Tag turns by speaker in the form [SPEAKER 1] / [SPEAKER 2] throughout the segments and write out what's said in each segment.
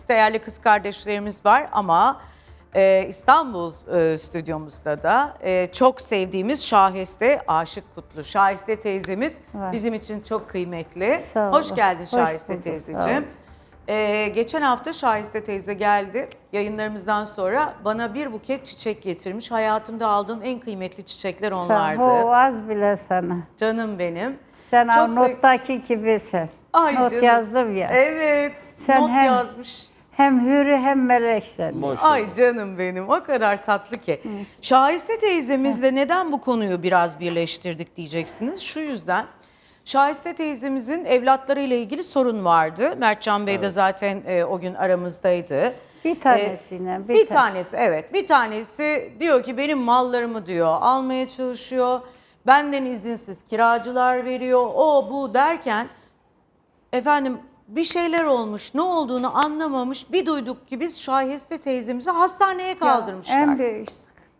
[SPEAKER 1] değerli kız kardeşlerimiz var ama İstanbul stüdyomuzda da çok sevdiğimiz Şahiste Aşık Kutlu. Şahiste teyzemiz bizim için çok kıymetli.
[SPEAKER 2] Sağ
[SPEAKER 1] Hoş
[SPEAKER 2] olun.
[SPEAKER 1] geldin
[SPEAKER 2] Hoş
[SPEAKER 1] Şahiste
[SPEAKER 2] bulduk,
[SPEAKER 1] teyzeciğim.
[SPEAKER 2] sağ
[SPEAKER 1] Geçen hafta Şahiste teyze geldi. Yayınlarımızdan sonra bana bir buket çiçek getirmiş. Hayatımda aldığım en kıymetli çiçekler onlardı.
[SPEAKER 2] O az bile sana.
[SPEAKER 1] Canım benim.
[SPEAKER 2] Sen
[SPEAKER 1] Çok
[SPEAKER 2] o nottaki gibisin.
[SPEAKER 1] Ay
[SPEAKER 2] Not
[SPEAKER 1] canım.
[SPEAKER 2] yazdım ya.
[SPEAKER 1] Evet.
[SPEAKER 2] Sen
[SPEAKER 1] not
[SPEAKER 2] hem-
[SPEAKER 1] yazmış.
[SPEAKER 2] Hem hürü hem meleksin.
[SPEAKER 1] Ay canım benim, o kadar tatlı ki. Şahiste teyzemizle neden bu konuyu biraz birleştirdik diyeceksiniz. Şu yüzden Şahiste teyzemizin evlatlarıyla ilgili sorun vardı. Mertcan Bey de zaten o gün aramızdaydı.
[SPEAKER 2] Bir tanesine.
[SPEAKER 1] Bir tanesi, evet, bir tanesi diyor ki benim mallarımı diyor almaya çalışıyor. Benden izinsiz kiracılar veriyor, o bu derken efendim bir şeyler olmuş, ne olduğunu anlamamış. Bir duyduk ki biz Şahiste teyzemizi hastaneye kaldırmışlar.
[SPEAKER 2] En büyük.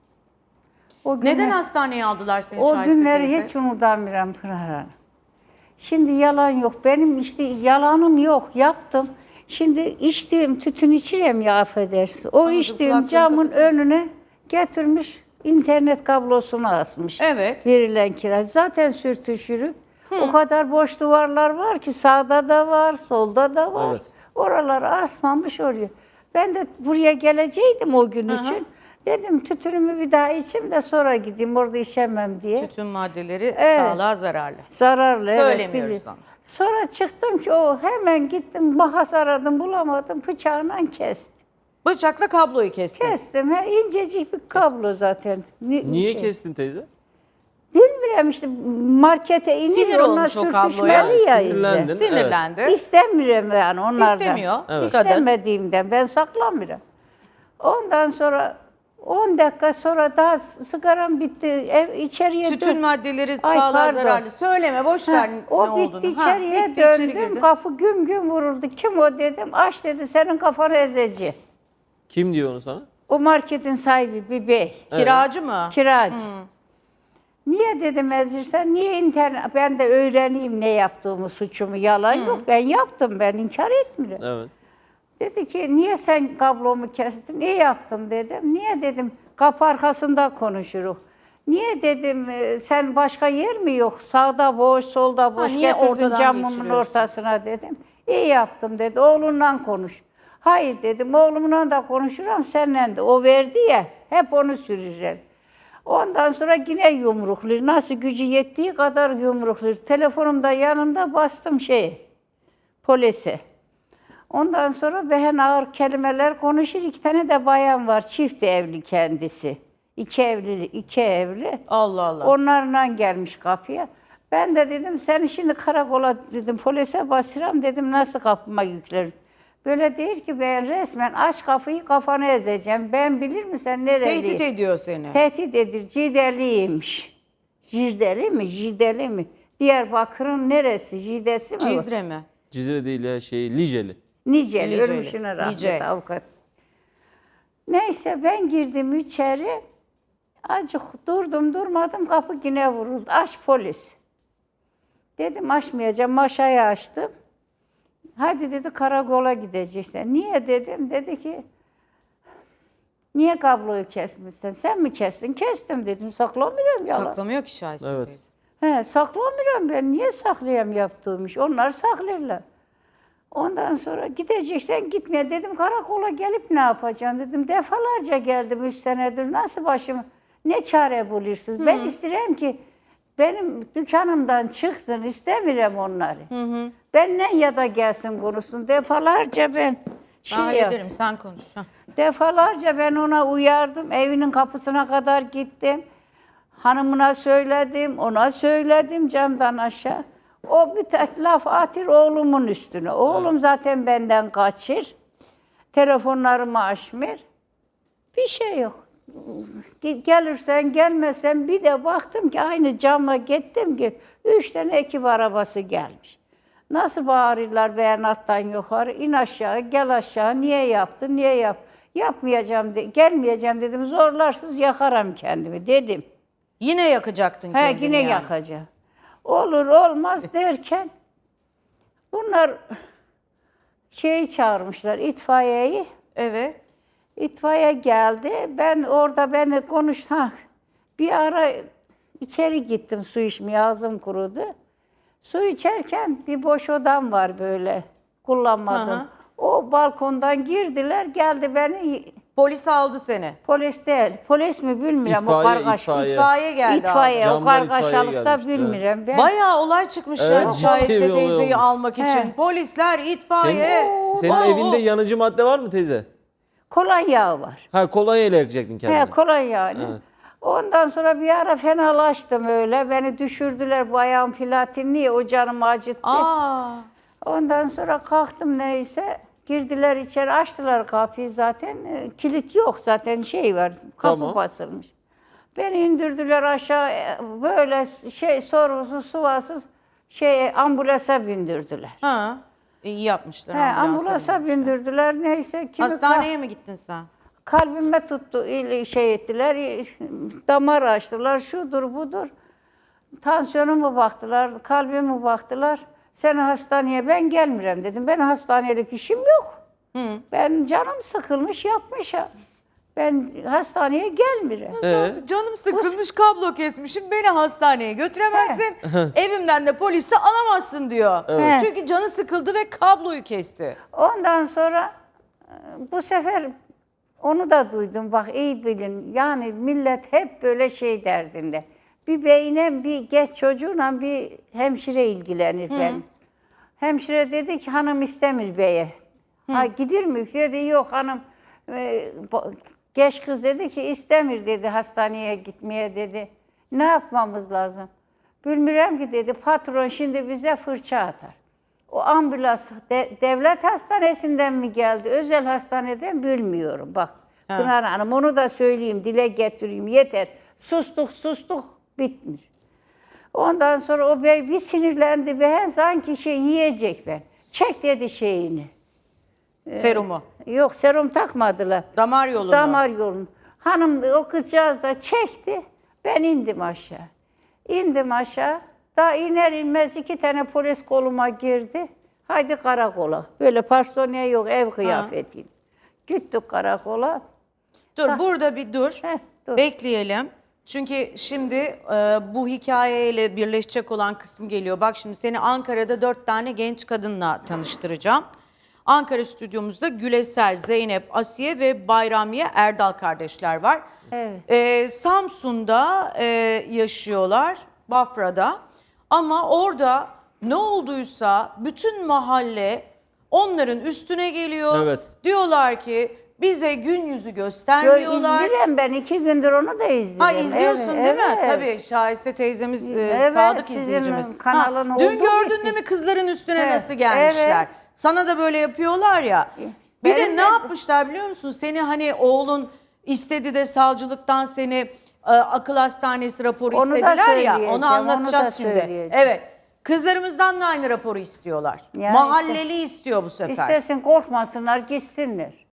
[SPEAKER 2] O
[SPEAKER 1] Neden hastaneye aldılar seni
[SPEAKER 2] O
[SPEAKER 1] Şahiste
[SPEAKER 2] günleri
[SPEAKER 1] teyze?
[SPEAKER 2] hiç unutamıyorum Pınar Hanım. Şimdi yalan yok. Benim işte yalanım yok. Yaptım. Şimdi içtiğim tütün içirem ya affedersin. O
[SPEAKER 1] Anladım,
[SPEAKER 2] içtiğim
[SPEAKER 1] kulaklığını
[SPEAKER 2] camın
[SPEAKER 1] kapatır mısın?
[SPEAKER 2] önüne getirmiş internet kablosunu asmış.
[SPEAKER 1] Evet.
[SPEAKER 2] Verilen kira. Zaten sürtüşürük. O kadar boş duvarlar var ki sağda da var, solda da var.
[SPEAKER 3] Evet.
[SPEAKER 2] Oraları asmamış oraya. Ben de buraya geleceydim o gün için. Dedim tütünümü bir daha içeyim de sonra gideyim orada içemem diye.
[SPEAKER 1] Tütün maddeleri
[SPEAKER 2] Evet.
[SPEAKER 1] sağlığa zararlı.
[SPEAKER 2] Zararlı. evet,
[SPEAKER 1] Söylemiyoruz
[SPEAKER 2] biliyorum.
[SPEAKER 1] onu.
[SPEAKER 2] Sonra çıktım ki o hemen gittim makas aradım bulamadım bıçağından kestim.
[SPEAKER 1] Bıçakla kabloyu kestin.
[SPEAKER 2] Kestim. İncecik bir kablo zaten.
[SPEAKER 3] Niye
[SPEAKER 2] şey.
[SPEAKER 3] kestin teyze?
[SPEAKER 2] Bilmiyorum işte markete inip
[SPEAKER 1] Sinir
[SPEAKER 2] onlar
[SPEAKER 1] olmuş o kabloya.
[SPEAKER 2] sürtüşmeli ya.
[SPEAKER 3] Sinirlendin.
[SPEAKER 2] izle.
[SPEAKER 1] Sinirlendi.
[SPEAKER 2] İstemiyorum yani onlardan.
[SPEAKER 1] İstemiyor. Evet.
[SPEAKER 2] İstemediğimden ben saklamıyorum. Ondan sonra 10 dakika sonra daha sigaram bitti. İçeriye
[SPEAKER 1] Tütün maddeleri
[SPEAKER 2] Ay,
[SPEAKER 1] sağlığa
[SPEAKER 2] pardon.
[SPEAKER 1] zararlı. Söyleme, boş ver
[SPEAKER 2] O
[SPEAKER 1] ne
[SPEAKER 2] bitti
[SPEAKER 1] olduğunu.
[SPEAKER 2] içeriye
[SPEAKER 1] bitti, içeri
[SPEAKER 2] döndüm.
[SPEAKER 1] girdin.
[SPEAKER 2] Kapı güm güm vuruldu. Kim o dedim. Aç dedi senin kafanı ezeci.
[SPEAKER 3] Kim diyor onu sana?
[SPEAKER 2] O marketin sahibi bir bey.
[SPEAKER 1] Kiracı mı?
[SPEAKER 2] Kiracı. Niye dedim ezirsen? Niye internet? Ben de öğreneyim ne yaptığımı, suçumu. Yalan yok. Ben yaptım. Ben inkar etmiyorum.
[SPEAKER 3] Evet.
[SPEAKER 2] Dedi ki niye sen kablomu kestin? Ne yaptım dedim. Niye dedim kapı arkasında konuşuruz. Niye dedim sen başka yer mi yok? Sağda boş, solda boş.
[SPEAKER 1] niye
[SPEAKER 2] Getirdin
[SPEAKER 1] ortadan
[SPEAKER 2] camımın
[SPEAKER 1] geçiriyorsun?
[SPEAKER 2] ortasına dedim. İyi yaptım dedi. Oğlunla konuş. Hayır dedim. Oğlumla da konuşurum seninle de. O verdi ya. Hep onu süreceğim. Ondan sonra yine yumruklar. Nasıl gücü yettiği kadar yumruklar. Telefonumda yanında bastım polise. Ondan sonra behen ağır kelimeler konuşur. 2 tane de bayan var. Çift evli kendisi. 2 evli.
[SPEAKER 1] Allah Allah.
[SPEAKER 2] Onlarla gelmiş kapıya. Ben de dedim seni şimdi karakola dedim polise basıram dedim nasıl kapıma yüklerim. Böyle değil ki ben resmen aç kapıyı kafanı ezeceğim. Ben bilir misin nereliyim?
[SPEAKER 1] Tehdit ediyor seni.
[SPEAKER 2] Tehdit edir. Cideliymiş. Cideli mi? Cideli mi? Diyarbakır'ın neresi? Cidesi mi?
[SPEAKER 1] Cizre mi?
[SPEAKER 3] Cizre değil ya Liceli.
[SPEAKER 2] Niceli.
[SPEAKER 1] Niceli.
[SPEAKER 2] Ölmüşüne rahmet
[SPEAKER 1] Nice.
[SPEAKER 2] avukat. Neyse ben girdim içeri. Acık durdum durmadım kapı yine vuruldu. Aç polis. Dedim açmayacağım. Maşayı açtım. Hadi dedi karakola gideceksin. Niye dedim. Dedi ki niye kabloyu kesmişsin? Sen mi kestin? Kestim dedim. Saklamıyorum yalan.
[SPEAKER 1] Saklamıyor ki Şahiste
[SPEAKER 3] Evet.
[SPEAKER 1] teyze.
[SPEAKER 2] Saklamıyorum ben. Niye saklayayım yaptığım iş? Onlar saklarlar. Ondan sonra gideceksen gitmeye dedim. Karakola gelip ne yapacağım dedim. Defalarca geldim 3 senedir. Nasıl başımı ne çare bulursunuz? Ben isterim ki benim dükkanımdan çıksın. İstemiyorum onları. Benden ya da gelsin konuşsun. Defalarca ben
[SPEAKER 1] Ben hallederim,
[SPEAKER 2] yaptım.
[SPEAKER 1] sen konuş.
[SPEAKER 2] Defalarca ben ona uyardım. Evinin kapısına kadar gittim. Hanımına söyledim, ona söyledim camdan aşağı. O bir tek laf atır oğlumun üstüne. Oğlum zaten benden kaçır. Telefonlarımı açmır. Bir şey yok. Gelirsen gelmesen bir de baktım ki aynı camla gittim ki 3 tane ekip arabası gelmiş. Nasıl bağırırlar beyanattan yukarı, in aşağı, gel aşağı, niye yaptın, niye yapmayacağım, gelmeyeceğim dedim, zorlarsız yakarım kendimi dedim.
[SPEAKER 1] Yine yakacaktın kendini
[SPEAKER 2] Yine
[SPEAKER 1] yani.
[SPEAKER 2] yakacağım. Olur olmaz derken bunlar Şeyi çağırmışlar, itfaiyeyi.
[SPEAKER 1] Evet.
[SPEAKER 2] İtfaiye geldi. Ben orada beni bir ara içeri gittim su içmeye, ağzım kurudu. Su içerken bir boş odam var böyle, kullanmadım.
[SPEAKER 1] Hı hı.
[SPEAKER 2] O balkondan girdiler, geldi beni,
[SPEAKER 1] Polis aldı seni.
[SPEAKER 2] polis değil, polis mi bilmiyorum, o
[SPEAKER 3] İtfaiye,
[SPEAKER 2] kargaş.
[SPEAKER 3] itfaiye.
[SPEAKER 1] İtfaiye geldi.
[SPEAKER 2] İtfaiye, o
[SPEAKER 3] Camdan itfaiye
[SPEAKER 2] kargaşalıkta
[SPEAKER 3] gelmişti, evet.
[SPEAKER 2] bilmiyorum. Ben
[SPEAKER 1] Bayağı olay çıkmış
[SPEAKER 3] Evet,
[SPEAKER 1] ya
[SPEAKER 3] ciddi
[SPEAKER 1] Şahiste
[SPEAKER 3] bir olay
[SPEAKER 1] teyzeyi
[SPEAKER 3] olmuş.
[SPEAKER 1] almak için.
[SPEAKER 2] He.
[SPEAKER 1] Polisler, itfaiye.
[SPEAKER 3] Senin
[SPEAKER 1] Oo.
[SPEAKER 3] evinde yanıcı madde var mı teyze?
[SPEAKER 2] kolonya var.
[SPEAKER 3] Ha, kolonya ile yakacaktın kendini.
[SPEAKER 2] He, kolonya.
[SPEAKER 3] Evet.
[SPEAKER 2] Ondan sonra bir ara fenalaştım öyle. Beni düşürdüler, bu ayağım platinli, o canımı acıttı.
[SPEAKER 1] Aa.
[SPEAKER 2] Ondan sonra kalktım neyse. Girdiler içeri, açtılar kapıyı zaten. Kilit yok zaten, şey var, kapı
[SPEAKER 3] Tamam.
[SPEAKER 2] basılmış. Beni indirdiler aşağı, böyle sorgusuz, sualsiz ambulansa bindirdiler.
[SPEAKER 1] Ha. İyi yapmışlar.
[SPEAKER 2] He, ambulansa bindirdiler neyse.
[SPEAKER 1] Hastaneye mi gittin sen?
[SPEAKER 2] Kalbime tuttu, ettiler, damar açtılar, şudur budur. Tansiyonumu baktılar, kalbime baktılar. Seni hastaneye ben gelmirem dedim. Ben hastanelik işim yok. Ben canım sıkılmış yapmışım. Ben hastaneye gelmirem.
[SPEAKER 1] Canım sıkılmış, kablo kesmişim, beni hastaneye götüremezsin. Evimden de polisi alamazsın diyor.
[SPEAKER 2] Evet.
[SPEAKER 1] Çünkü canı sıkıldı ve kabloyu kesti.
[SPEAKER 2] Ondan sonra bu sefer onu da duydum. Bak iyi bilin. Yani millet hep böyle şey derdinde. Bir beyine, bir genç çocuğuna bir hemşire ilgilenir ben. Hemşire dedi ki hanım istemir beye. Ha gidir mi? Dedi yok hanım. Genç kız dedi ki istemir dedi hastaneye gitmeye dedi. Ne yapmamız lazım? Bilmiyorum ki dedi patron şimdi bize fırça atar. O ambulans devlet hastanesinden mi geldi, özel hastaneden bilmiyorum. Bak Pınar Hanım onu da söyleyeyim, dile getireyim yeter. Sustuk bitmiş. Ondan sonra o bey bir sinirlendi be, sanki yiyecek ben. Çek dedi şeyini.
[SPEAKER 1] Serumu.
[SPEAKER 2] Yok serum takmadılar.
[SPEAKER 1] Damar yolunu.
[SPEAKER 2] Damar yolunu. Hanım o kızcağız da çekti. Ben indim aşağı. İndim aşağı. Daha iner inmez 2 tane polis koluma girdi. Haydi karakola. Böyle personel yok, ev kıyafeti. Gittik karakola.
[SPEAKER 1] Dur burada bir dur.
[SPEAKER 2] Dur.
[SPEAKER 1] Bekleyelim. Çünkü şimdi bu hikayeyle birleşecek olan kısmı geliyor. Bak şimdi seni Ankara'da 4 tane genç kadınla tanıştıracağım. Ankara stüdyomuzda Güleser, Zeynep, Asiye ve Bayramiye Erdal kardeşler var.
[SPEAKER 2] Evet.
[SPEAKER 1] Samsun'da yaşıyorlar, Bafra'da. Ama orada ne olduysa bütün mahalle onların üstüne geliyor.
[SPEAKER 3] Evet.
[SPEAKER 1] Diyorlar ki bize gün yüzü göstermiyorlar.
[SPEAKER 2] İzliyorum ben 2 gündür onu da izliyorum.
[SPEAKER 1] Ha izliyorsun
[SPEAKER 2] Evet,
[SPEAKER 1] değil mi?
[SPEAKER 2] evet.
[SPEAKER 1] Tabii Şahiste teyzemiz
[SPEAKER 2] Evet,
[SPEAKER 1] sadık
[SPEAKER 2] sizin
[SPEAKER 1] izleyicimiz.
[SPEAKER 2] kanalın
[SPEAKER 1] Dün
[SPEAKER 2] olduğu
[SPEAKER 1] gördün
[SPEAKER 2] gibi.
[SPEAKER 1] değil mi kızların üstüne
[SPEAKER 2] Evet,
[SPEAKER 1] nasıl gelmişler?
[SPEAKER 2] evet.
[SPEAKER 1] Sana da böyle yapıyorlar ya. Bir de
[SPEAKER 2] Benim
[SPEAKER 1] ne
[SPEAKER 2] de-
[SPEAKER 1] yapmışlar biliyor musun? Seni hani oğlun istedi de savcılıktan seni akıl hastanesi raporu
[SPEAKER 2] Onu da
[SPEAKER 1] istediler ya.
[SPEAKER 2] söyleyeceğim,
[SPEAKER 1] Onu anlatacağız
[SPEAKER 2] onu da
[SPEAKER 1] şimdi.
[SPEAKER 2] söyleyeceğim.
[SPEAKER 1] Evet. Kızlarımızdan da aynı raporu istiyorlar.
[SPEAKER 2] Ya
[SPEAKER 1] Mahalleli istiyor bu sefer.
[SPEAKER 2] İstesin korkmasınlar gitsinler.